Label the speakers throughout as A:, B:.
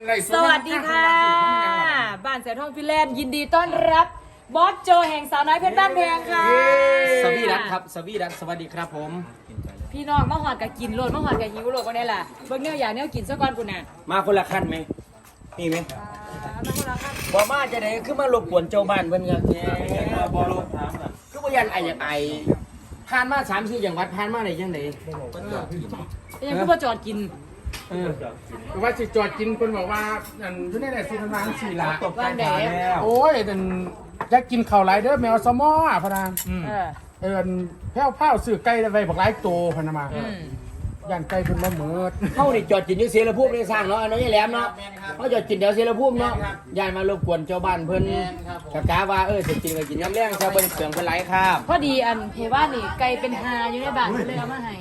A: สวัสดีค่ะบ้านแสนทองฟิแลนด์ยินดีต้อนรับบอสโจแห่งสาวน้อยเพชรบ้านแพงค่ะ
B: สวีดัสครับสวีดัสสวัสดีครับผม
A: พี่น้องมาหอดกับกินโลดมาหอดกับหิวโลดก็ได้ล่ะเบิ่งเนื้ออย่างเนื้อกินซะก่อนกูน่ะ
B: มาคนละขั้นไหมมีไหม
A: มาคนละครับ
B: บ่มาจะไหนคือมารบกวนเจ้าบ้านเพิ่นครับบ่รบถามกันคือบ่ยันไออยากไอผ่านมา3-4จังหวัดผ่านมาได้จังได๋
A: ยังคือบ่จอดกิน
C: ว่าสิจอดกินคนบอกว่าอันทุเรศสิทาง4ละ
A: ตกบ้านแดด
C: โอ้ยแต่อยากกินข้าวไรเด้อแมวสมอพะนางแพ้วเผาซื้อไก่ไว้บักหลายโตพะนามาย่านไก่เพิ่นบ่หมด
B: เฮานี่จอดกินอยู่เสรภูมิได้สร้างเนาะอันนี้แหลมเนาะเฮาจอดกินแถวเสรภูมิเนาะย่านมารบกวนเจ้าบ้านเพิ่นกะว่าสิกินก็กินยามแลงซะเบิ่งเสียงเพิ่นหลายครับ
A: พอดีอันเพว่านี่ไก่เป็นหาอยู่ในบ้านเลยเอามาให้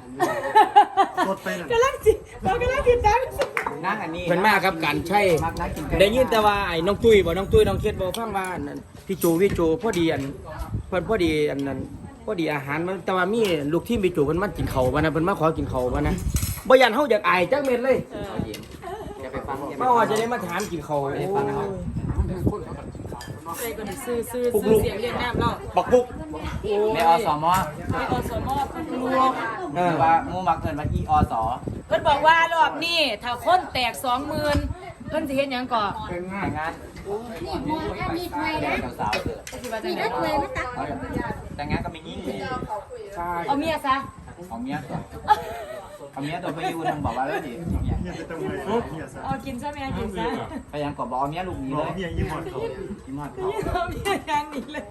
A: กำลังจิเรากำลังจิตใจ
B: นั่งอันนี้เพิ่นมากับการใช้ได้ยินแต่ว่าไอ้น้องตุ้ยน้องเฮ็ดบ่ฟังว่านั่นพี่โจพอดีอันเพิ่นพอดีอันนั้นพอดีอาหารมันแต่ว่ามีลูกทีมพี่โจเพิ่นมากินข้าวบ่นะเพิ่นมาขอกินข้าวบ่นะบ่ยันเฮาอยากอายจักเม็ดเลยอย่าไปฟังมาว่าจะได้มาถามกินข้าวให้ฟังนะครับ
A: ใส่ก่อนซื้อเสียงเรียกน้ำเรา
B: บักปุก
D: ในอสม
A: ในอสมลูก
D: ว่ามูมักเกินมาที่อส
A: เพิ่นบอกว่ารอบนี้ถ้าคนแตก 20,000เพิ่นสิเฮ็ดหยังก่อ
D: แต่งงาน
E: มีถ้วยนะ
D: สาว
E: มีถ้วยมาตัก
D: แต่งงานก็ไม่ยิ่งเลย
A: เอาเมียซะ
D: เอาเมียตัวไปอยู่ทางบอกว่าแล้วดิ
A: เอากินซะแม่กินซะ
D: พยายามกดบอกเอาเมียลูกนี้เลยยิ้มหอดเขา
A: เอาเมียอย่างนี้เลย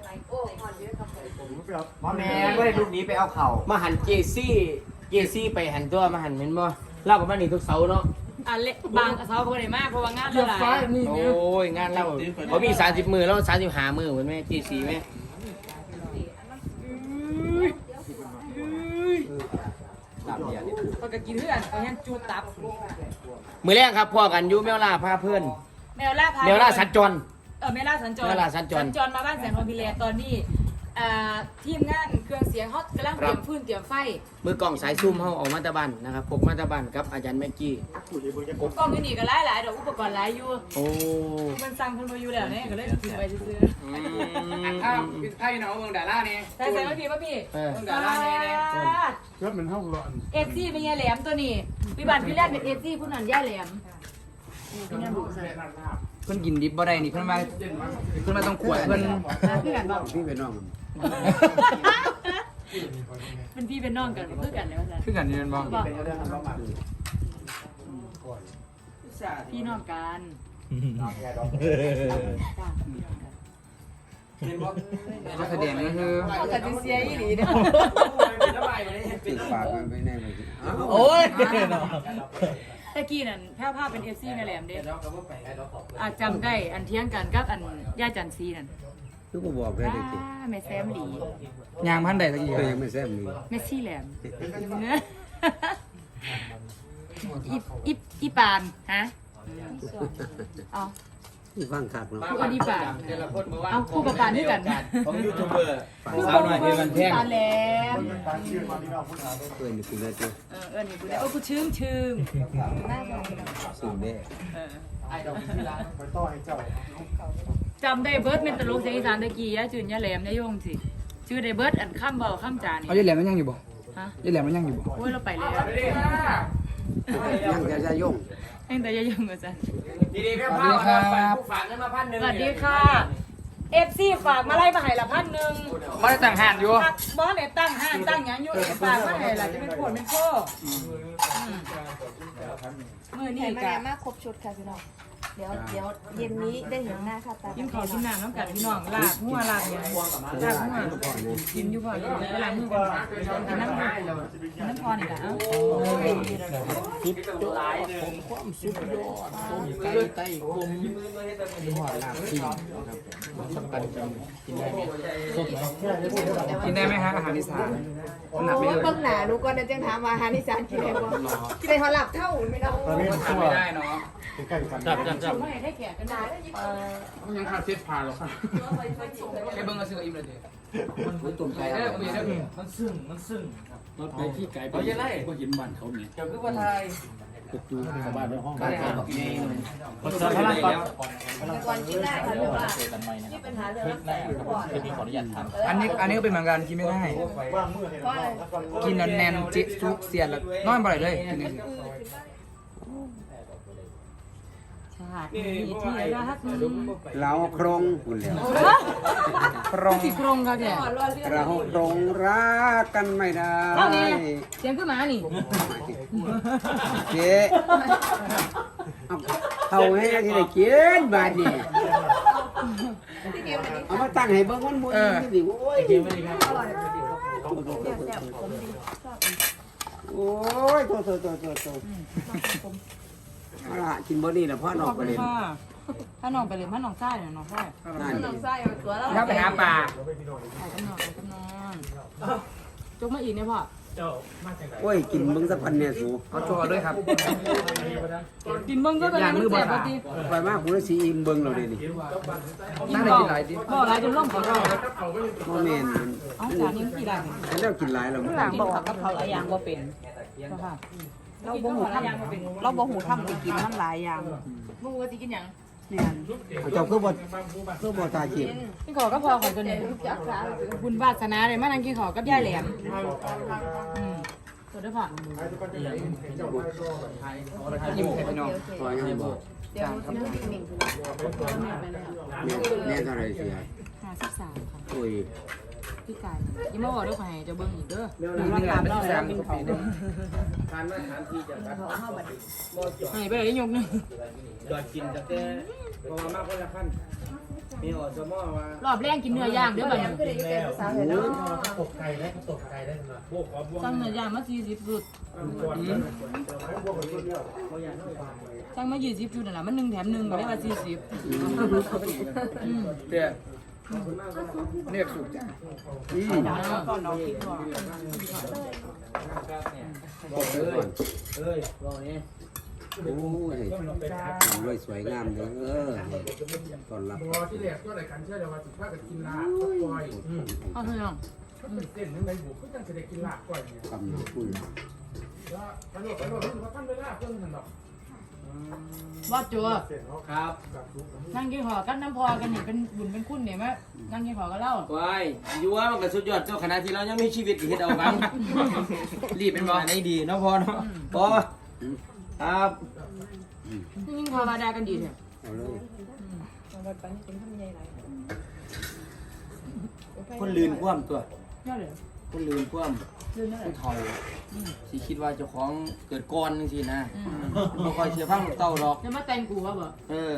D: พ่อแม่ก็ได้ลูกนี้ไปเอาเข่า
B: มาหันเจซี่ไปหันตัวมาหันเห็นบ่เล่าประมาณนี้ทุกเสาร์เนาะ
A: เละบางเสาร์ก็ได้มากเพราะว่างานเราหลาย
B: โอ้ยงานเราบ่มี30 มื้อแล้ว35 มื้อเหมือนแม่เจซี่แม่
A: ก็จะกินเพื่อนก็ยังจูตับ
B: มื้อแรกครับพ่อกันอยู่แมวล่าพาเพื่อน
A: แมวล่า
B: สัญจร
A: แมวล่าสัญจรมาบ้านแสนทองพิเรนตอนนี้ทีมงานเครื่องเสียงเขากำลังเตรียมฟืนเตรียมไฟ
B: มือกล่องสายซูมเฮาออกมาตะบันนะครับพกมาตะบันกับอาจารย์แม็กกี้
A: กล้องนี่ก็หลายดอกอุปกรณ์หลายอยู่
B: โอ้
A: มันสั่งคนมาอยู่แล้วเนี่ยก็เลยถือไปซื้อ
C: ไอ้เนาะเมืองดารานี่
A: ใส่มาพี่ป่ะพี่
C: เมืองดารานี่ก็มันเฮาร้อน
A: ซี่เป็นยาแหลมตัวนี้พี่บันพี่แรกเป็นซี่ผู้นั้นยาแหลมพี่นั่นบุกใส่
D: เพิ่นกินดิบบ่ได้นี่เพิ่นมาต้องขวดเพิ่น
A: พี่กันบอก
C: พี่เป็นน้อง
A: เป็นพี่เป็นน้องกันเพื่อกันแล้วจ้ะ
D: คือกันนี่มันบ่
A: พี่น้องกัน
D: ก็แสดงก็คือ
A: แต่ดิเซียอีหลีเนี่ย
C: ติดปากมันไปแน่เลย
B: โอ้ย
A: ตะกี้นั่นแพ้วผ้าเป็นซี่ในแหลมเด้จำได้อันเที่ยงกันกับอันย่าจันซีนั่น
C: คือบ่บอกได้ดิ
A: แม่แซมหลี
D: ยางพันใดตะกี้
C: ก็ยังไม่แซ่บนี่
A: แม่ซี่แหลมอีปานฮะเอา
C: ฟังคักเนาะ
A: คู่อีปานเอาคู่กับปานด้วยกัน
B: ของยูทูบเบอร์สาวหน่อยที่มันแพง
A: ปานแหลม
C: นี่คุณได้จ้ะ
A: นี่คุณได้โอ้กูชื่ม
C: สูงแน่
A: จำได้เบิร์ดเป็นตลกเสียงอีสานตะกี้ยะจืนยะแหลมยะยงสิชื่อได้เบิร์ดอันข้ามเบาข้ามจานนี่
D: เอายายแหลมมันยังอยู่บ่
A: ฮะ
D: ยายแหลมมันยังอยู่บ่
A: โอ้ยเราไปแล้ว
C: ยังจะยง
A: ยังแต่ยะยงก็จะ
B: ดีๆครับฝากเงินมา1,000
A: สวัสดีค่ะFC ฝากมาไล่มาให้ละ1,000
D: บ่ได้ตั้งห้านอยู่
A: บ่ได้ตั้งห้างตั้งหยังอยู่ฝากมาให้ละจะเป็นโคตรเป็นโคมื้อนี้ก็
E: มาครบชุดค่ะพี่น้องเดี๋ยวเย็นนี้ได้เห็นหน้าค่ะตา
A: กินข้าวกินน้ำน้ำกันพี่น้องลาบหัวลาบเนี่ยลาบหัวกินอยู่พอเวลามือกันกินน้ำพอนี่แหละ
B: คิดหลายผมความสุดยอดต้มไก่ไต้กลมหัวลาบที่ครับสำคัญจังกินได้ไหมสด
D: กินได้ไหมฮะอาหารอีสานหนัก
E: โอ้
D: ไม่เลย
E: เบิ่งหน้าลูกก็ได้จังถามว่าอาหารอีสานกินได้บ่กินได้ฮอดหลับเท่าไม่ได้
D: ไม่ได้เนาะ
B: จับ
A: ไม่ให้แขกกันได้
C: ยังขาดเส้นผ่าหรอกค่ะ
D: แค่เบิ่งก็ซื้ออิ่มเลยดิ
B: มันตุ่มไก่
D: มันซึ่ง
B: รถไปที่ไก่ไปก็เห็นบ้านเขาเนี่ย
D: เดี๋ยวคือว่าไทย
C: ชาวบ้านในห้อง
D: บ้านกับเมย์
B: คนเสิร์ฟพลังก่อน
E: แต่ก่อนกินได้ค่ะแต่ว่าที่ปัญหาเรื่องรักษาก่อน
D: ขออนุญาตทำ
F: อันนี้ก็เป็นเหมือนกันกินไม่ได้
E: เพราะอะไร
F: กินแน่นๆจิซุกเสียนแล้วนอนบ่ได้เลยกินนี่
A: ชาตินี้ที่รัก
G: เราโครงคุณแล้ว
F: ปรอง
A: ที่กรงเขาเนี่ย
G: เราโครงรักกันไม่ได้
A: เท่านี้เสียงขึ้นมานี่
G: เจ๊เอาให้ที่ได้กินบาดนี่เอามาตั้งให้เบิ่งมันบ่ดีดิโอ้ยโอ้ยโตเอาล่ะกินบ่นี่ล่ะพ่อน้องไปเลย
A: ถ้าน้องไปเลยถ้าน้องใต้เนี่ยน้องใต้
G: นั่น
E: น้องไส้เอาตัวเรา
F: ถ้าไปหาปลา
A: ไปกับน้องจกมาอีกเนี่ยพ่อ
G: โอ้ยกินเบิ่งสักพันเนี่ยสู
F: เอาโชว์ด้วยครับ
A: กินเบิ้งก็เป็นมันแสบปกติ
G: ไปมากูได้สิอิ่มเบิ่งแล้วเด้นี่
F: นั่งได้กินหลายดิ
A: พ่อหลายจนล่มขอเรา
G: บ่แม่น
A: เอาจานนี้กี่ได้
G: มันแล้วกินหลายแล้ว
A: หลังบอกกับเขาหลายอย่างว่าเป็นค่ะ
E: เราบ่หูทำเราบ่หูทำไปกินมันหลายอย่างมึงว่าสิกินหยัง
G: เจ้าคือบ่ตาจีบ
A: กินขอก็พอขอตัวนี้บุญวาสนาเลยมานั่งกินขอกับยายแหลมตัวเด้อพ่อ
F: ยิ้มให้พี่น้อง
G: พอยังบ่
E: เดี๋ยวสิมันนิ่ง
G: แม่เท่าไหร่เสีย
A: 53ค่ะ
G: โอ้ย
A: พี่กายยังมาบอกด้วยขอให้เจ้าเบิ้งอีกเด้อ
F: มีงานเป็นแซมทุกปีเด้อ
B: ทานมาถามที่จะครับ
A: ให้ไปเลยยกนึง
B: ยอดกินแต่เพราะว่ามากคนละขั้นมีอสมอว่าร
A: อบแรกกินเนื้อย่างเด้อบัดนี้
E: ก็ได้อยู่เป็นภาษาเลยเนาะ
A: สั่งเนื้อย่างมา40ชุดสั่งมา20ชุดนั่นล่ะมัน1แถม1ก็ได้ว่า40
F: เตี้ยเรียกสุกจ้ะ
G: บอกเลยก่อน
B: เอ้ยรอนี้
G: โอ้ยรวยสวยงามเด้อตอนรับ
C: พอที่แรกก็รายการเชื่อเลยว่าสิพากันกินลาบก้อย
A: เอาเถอะน้อง
C: เต้นยังไงบุกก็ยังจะได้กินลาบก้อยเนี่ย
G: กำลังคุย
C: แล้วกระโดดว่าท่านเวลาเพิ่นนั่นดอก
A: บ่จัว
B: ครับ
A: นั่งกินขอกับน้ำพอกันนี่เป็นบุญเป็นคุณเนี่ยมั้ยนั่งกินขอกับเรา
B: วายอยู่ว่ามันก็สุดยอดเจ้าขณะที่เรายังมีชีวิตอยู่เฮ็ดเอาบ้างรีบเป็นบ่ได้ดีเนาะพอเนาะพอครับ
A: ยิ่งพอมาได้กันดีเนี่ย
G: เอาเลย
E: วันปันกินทำใหญ่หลาย
B: คนลืนคว่ำตัว
A: ยอดเลย
B: คนลืนคว่ำ
A: ลืมได้
B: ผู้เฒ่าสิคิดว่าเจ้าของเกิดก่อนจังซี่นะบ่ค่อยเชื่อฟังลูกเต้าหรอก
A: จะมาแต่งกูว่าบ่
B: เออ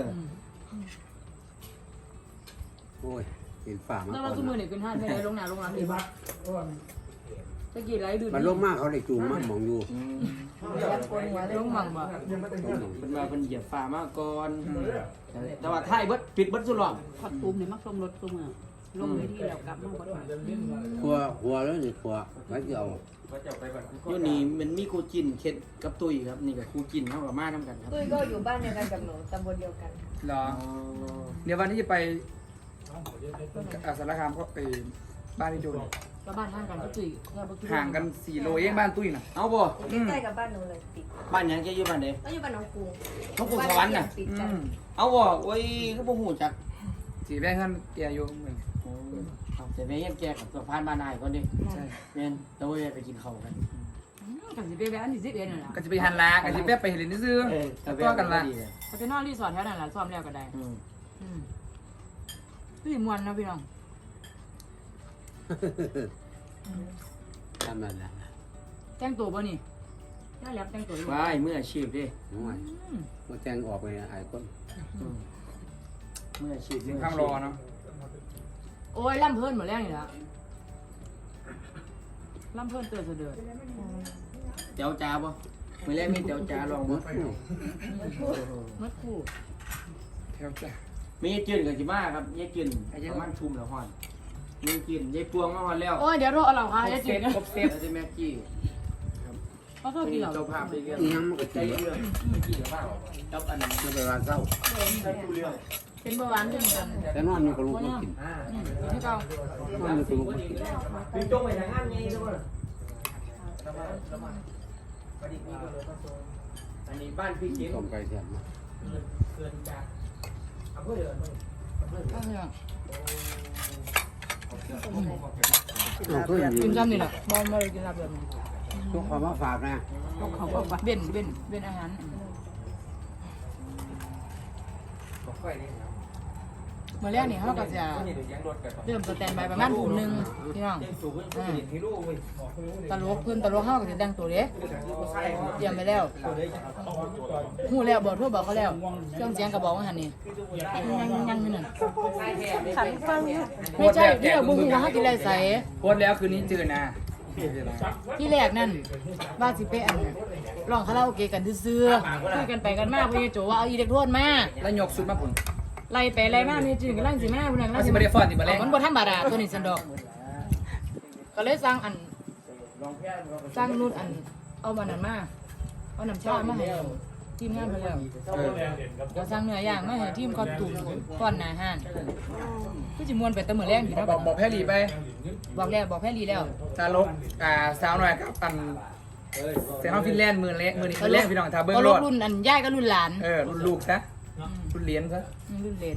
G: โอ้ยเห็นฝ่ามา
A: แล้ว
G: ก่
A: เรา
G: อน
A: ทุกมื้อนี่ขึ้นห้างไม่ได้ลงน้ำลงน้ำดีป่ะตะกี้ไหลดื่ม
G: มันลงมากเขาได้จูงมันมองอยู่
A: ลงมั่งบ่
B: เพิ่นว่าเพิ่นเหยียบฟ้ามาก่อนแต่ว่าท้ายเบิดปิดเบิดสุดหรอก
H: ขอดตูมนี่มักลมรถตูมอ่ะลงไปที่เรากลับมาบ่ได้
G: หัวแล้วนี่หัวไว้เกี่ยว
B: อยู่นี่มันมีครูจินเข็ดกับตุ้ยครับนี่ก็ครูจินเฮากับมานํกันครับ
E: ตุ้ยก็อยู่บ้านเดียวกันกับหนูตำบลเดียวกัน
F: เหรอเดี๋ยววันที่จะไปสารคามก็ไปบ้านที่โจน
A: แล้วบ้านห่างกันก็จุ๋ยเราบ่คิด
F: ห่างกัน4 โลเองบ้านตุ้ยน่ะ
B: เอาบ่
E: ใกล้กับบ้านหนูเลยติด
B: บ้านหยังแกอยู่บ้านใด
E: ก็อยู่บ้านหนองกรุง
B: เขาปลูกสวรรค์น่ะ
E: ติดกัน
B: เอาบ่โอ้ยก็บ่ฮู้จัก
F: สีแม่งกันแกอยู่เหมือน
B: เอาแต่แม่ยังแกกับสะพานบ้านนายก่อนดิแม่นแล้วเว้ยไปกินข้าวกัน
A: กันสิไปแวะอันที่11นั่นล่ะ
F: ก็จะไปหันลาก็จะแป๊บไปเห็นนี่ซื้อตัวกันละ
A: เขาจะนอนรีสอร์ทแถวนั้นล่ะซ้อมแล้วก็ได้
B: อืม
A: พี่ม่วนนะพี่น้อง
G: ทำนั่นแหละ
A: แต่งตัวบ่นี่น่าแลบแต่งตัวอยู่
B: ว้ายมืออาชีพดิ
G: น้อยมาแต่งออกไปไอ้คน
B: มืออาชีพ
F: ข้างรอเนาะ
A: โอ้ยล่ำเพิ่นหมดแล้วนี่ล่ะล่ำเพิ่นเตือนเสด็จ
B: เจ้าจ้าบ่มื้อแรกมีเจ้าจ้าลอง
G: หม
B: บ่
G: ดคู่
A: มัดคู่
F: แถวจ้ะ
B: มียายจืนกับสิมาครับยายจืนประมาณชุมแล้วฮอดมีจืนยายพวงมาฮอดแล้ว
A: โอ้ยเดี๋ยวโทรเอาเหล่าค่ะจะ
F: เซ
A: จิ
F: ฟ
A: ต
F: ครบเซฟ
B: แล้วจะแม็กกี้
A: เขาโทษกี่เหล่า
B: เจ้าภาพได้เรื่อง
G: อีหยังมันก็
B: ใจ
G: ตี
B: เรื่องเมื่อกี้เดี๋ยวว่าจับอันนั้น
G: ไม่ไปว่าเศร้า
A: เป็นเบาหวานเป็นกัน
G: แต่นอนอยู่กับลูกมันกิน
A: ให้เก่าน
G: อนอยู่กับลูกมันกิน
B: มีจงไปทางงานไงทุกคนอันนี้บ้านพี่เขียน
G: ต้มไก่แซ่บมาก
B: เกินจากอำเภอเดิน
A: ก็คือ
G: เราก็อยู่
A: กินซ้ำนี่แหละบ่เลยกินลาบแบบนี้
G: ทุกคนมาฝากนะ
H: เขาบอกว่า
A: เว้นอาหาร
B: บอกค่อยนี่ครับ
A: เมื่อแรกนี่เขาก็จะเริ่มสแตนบายประมาณทุ่มหนึงพี่น้อง
B: เต็มสูงขึ้นเห็นที่ลูกเว้ย
A: ตลกเพิ่นตลกเฮาก็สิแต่งตัวเด้เตรียมไปแล้วฮู้แล้วบอกทั่วบอกเขาแล้วเครื่องเสียงก็บอกว่าหั่นนี่ยังอยู่นั่น
H: ขันฟัง
A: ไม่ใช่ที่เราบ่ฮู้ว่าเฮาสิไล่ใส่
F: โพสต์แล้วคืนนี้เจอนะ
A: ที่แรกนั่นว่าสิไปอันร้องคาราโอเกะกันซื่อๆคุยกันไปกันมาเพิ่นโจว่าเอาอิเล็กโทรนมา
F: แล้วยกสุดมาผล
A: ไล่ไปไล่มานี่จื้อกำลังสิมาพุ่นน่ะกำลั
F: เอา
A: ง
F: สิ
A: สิ
F: บ่ได้ฟ้อนสิบ่แลง
A: มันบ่ธรรมดาตัวนี้ซั่นดอก ก็เลยสั่งอันสั่งนู่นอันเอามันนั้นมาเอาน้ำชามาให้ทีมงานเพิ่นแล้วก็สั่งเนื้อย่างมาให้ทีมคอสตูมก่อนหน้าห้านคือสิม่วนไปแตะมื้อแรงอยู่เนาะ
F: บอกแพรรี่ไป
A: บอกแล้วบอกแพรรี่แล้ว
F: ตาลกสาวหน่อยครับเซนต์ฟินแลนด์มือนี้คือแรกพี่น้องทาเบิ้ง
A: ก็
F: ร
A: ลูก
F: ถ
A: รุ่นอันย่ายก็รุ่นหลาน
F: รุ่นลูกซะรุ่นเหรียญซะ
A: รุ่นเหลน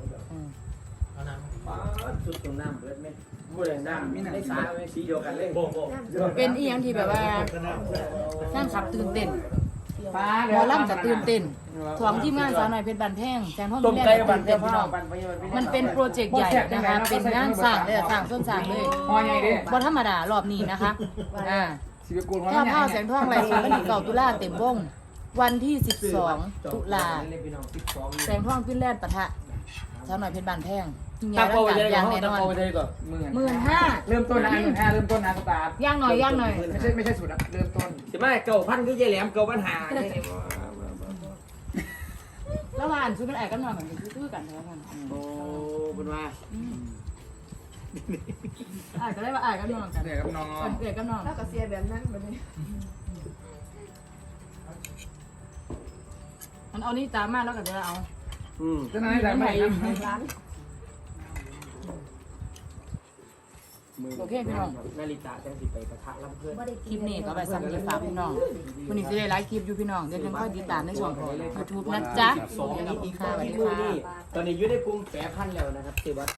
B: สุดตรงน้ำเบิดไหมบ่ได้น้ำมีน้ำสาสีเดียวกันเลย
A: เป็นอีหยังที่แบบว่านั่งขับตื่นเต้นหมอลำจะตื่นเต้นถ่วงทีมงานสาวหน่อยเพชรบันแพงแซงพ่อ
B: ต้ม
A: แม่
B: ไก่
A: ตื่
B: บัน
A: น
B: เที
A: เต้
B: ย
A: น
B: พ่
A: พี่
B: อ
A: น้อง
B: บันไป
A: มันเป็นโปรเจกต์ใหญ่นะคะ เป็นงานสร้างเลยสร้างต้นสร้างเลย
F: ฮอใหญ่ดิ
A: บ่ธรรมดารอบนี้นะคะ
F: สิบกูลฮอ
A: ถ้า
F: ใหญ่
A: ผ้าแสงทองไรสุดวันที่9ตุลาเต็มวงวันที่12ตุลาแสงทองขึ้นแล่นปะทะสาวหน่อยเพชรบันแพงยิ่งใหญ่
B: ตา
A: รั
B: โป
A: ก
B: ไป
A: การ
B: เลย
A: อย่าง
B: ก่อน
A: แน่น
B: ตา
A: อน
B: โปไปเลยก่อน
A: 15,000
F: เริ่มต้นนะ15,000เริ่มต้นนะสตาร์ท
A: ย่างหน่อยย่างหน่อย
F: ไม่ใช่สุดอะเริ่มต้น
B: สิมา9,000คือใจแหลม9,500
A: แล้วว่าอันซื้อเป็นไอ้กันหน่อยเหมือนซื้อกันเท่านั้น
B: โอ้เป็นว่า
A: ไอ้ก็ได้ว่าไอ้กันหน่อยกัน
F: เนี่ยกับน้อง
A: เกิดกันหน่อย
E: แล้วก็เสียแบบนั้นแบบนี้
A: มันเอานี่ตามมาแล้วก็จะเอา
F: จะนั่งได้ไหม
E: ร้าน
A: โอเคพี่น้อง
B: นาฬิกาจังสิไปประทะลำเพื่อน
A: คลิปนี้ก็ไปสั่งคลิปฝากพี่น้องวันนี้จะได้ไลฟ์คลิปอยู่พี่น้องเดี๋ยวยังค่อยติดตามในช่องของ YouTube นะจ๊ะ
B: 2
A: สวัสดี
B: อีก
A: ค่ะสวัสดี
B: มือ
A: ค่ะ
B: นี่ตอนนี้อยู่ในกลุ่ม8,000แล้วนะครับสิว่า